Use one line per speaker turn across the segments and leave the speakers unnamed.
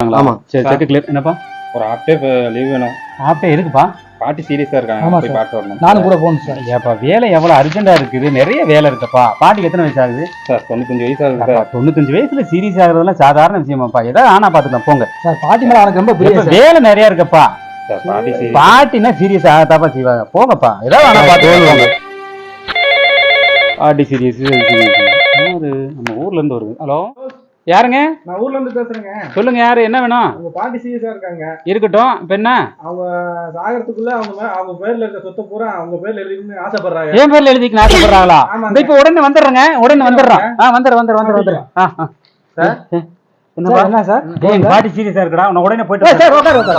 இருக்காங்களா?
ஆமா.
சரி செக் கிளியர். என்னப்பா
ஒரு ஹாஃப் டே லீவ் வேணும்.
ஹாஃப் டே இருக்குப்பா.
பாட்டி சீரியஸா இருக்காங்க, போய் பார்த்து வரணும்.
நானும் கூட போகணும் சார்.
ஏப்பா வேலை எவ்வளவு அர்ஜென்டா இருக்குது, நிறைய வேலை இருக்குப்பா. பாட்டிக்கு எத்தனை வயசு ஆகுது?
சார் 95 வயசு ஆகுது சார்.
95 வயசுல சீரியஸ் ஆகுறதுலாம் சாதாரண விஷயமாப்பா. ஏதாவது ஆனா பாத்துக்கலாம் போங்க.
சார் பாட்டி மேல எனக்கு ரொம்ப பிடிக்கும் சார்.
வேலை நிறைய இருக்குப்பா.
சார் பாட்டி சீரியஸ்.
பாட்டினா சீரியஸ் ஆகத்தாப்பா செய்வாங்க. போங்கப்பா, ஏதாவது ஆனா பாத்துக்கோங்க. பாட்டி சீரியஸ் நம்ம ஊர்ல இருந்து வருது. ஹலோ, யாருங்க?
நான் ஊர்ல இருந்து பேசுறேங்க.
சொல்லுங்க, யாரு, என்ன வேணும்?
உங்க பாட்டி சீரியஸா இருக்காங்க.
இருக்கட்டும். இப்ப என்ன?
அவங்க சாகறதுக்குள்ள அவங்க பேர்ல இருக்க சொத்தை பூரா அவங்க பேர்ல எழுதிக்கணும்னு ஆசைப்படுறாங்க.
என் பேர்ல எழுதிக்கு ஆசைப்படுறாங்களா?
ஆமாங்க.
இப்ப உடனே வந்துடுறேங்க, உடனே வந்துடுறோம். வந்துடுறேன்.
சார்
என்ன சார்? பாட்டி சீரியஸா இருக்கடா, உன்னை உடனே போயிட்டு
சார்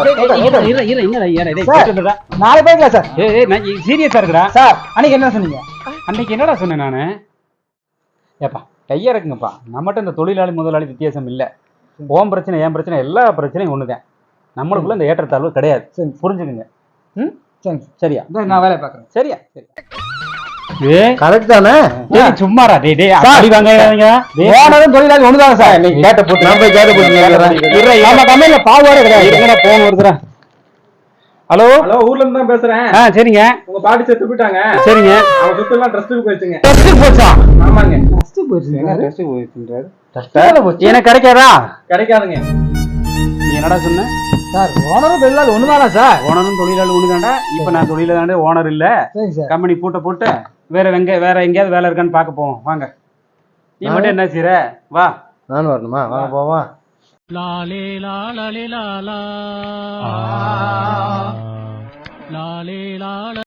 நாளை போய்க்கலாம் சார்.
சீரியஸா இருக்கடா.
சார் அன்னைக்கு என்ன சொன்னீங்க?
அன்னைக்கு என்னடா சொன்னேன் நானு? ஏப்பா கையா இருக்குங்கப்பா. நம்மகிட்ட இந்த தொழிலாளி முதலாளி வித்தியாசம் இல்ல. ஓம் பிரச்சனை என் பிரச்சனை எல்லா பிரச்சனையும் ஒண்ணுதான். நம்மளுக்குள்ள இந்த ஏற்றத்தாழ்வு கிடையாது.
சரி
புரிஞ்சுக்குங்க. ம்
சரி
சரியா?
நான் வேலையை பாக்குறேன்.
சரியா? சரி.
கரெக்ட் தானே?
சும்மாரா டேய் அடி வாங்காதீங்க.
ஓனரும் தொழிலாளி ஒண்ணுதாங்க சார்.
நீ கேட்ட போட்டு
நான் போய் கேட்ட போட்டு நம்ம கம்பெனில பாவாடே கிடையாது.
இருங்கடா, போன் வருதுடா. ஹலோ
ஹலோ, ஊர்ல இருந்து தான் பேசுறேன்.
சரிங்க.
உங்க பாட்டி செத்து போயிட்டாங்க.
சரிங்க.
அவங்க சொத்து எல்லாம் ட்ரஸ்ட்டுக்கு போயிடுச்சுங்க.
டெஸ்ட் போச்சா?
ஆமாங்க.
டெஸ்ட் போச்சுங்க.
டெஸ்ட் போயிட்டுன்றாரு.
எனக்கு கிடைக்காதா?
கிடைக்காதுங்க.
நீ என்னடா சொன்ன?
சார் ஓனரும் தொழிலாளி ஒண்ணுதானா சார்?
ஓனரும் தொழிலாளி ஒண்ணுதான்டா. இப்ப நான் தொழிலாளி ஓனர் இல்ல.
சரி சார்.
கம்பெனி பூட்ட போட்டு வேற எங்கேயாவது வேலை இருக்கான்னு பார்க்க போவோம். வாங்க. நீ மட்டும் என்ன செய்ற? வா.
நானும் வரணுமா? வாங்க போவா.
லாலே லாலே லாலா லாலே லால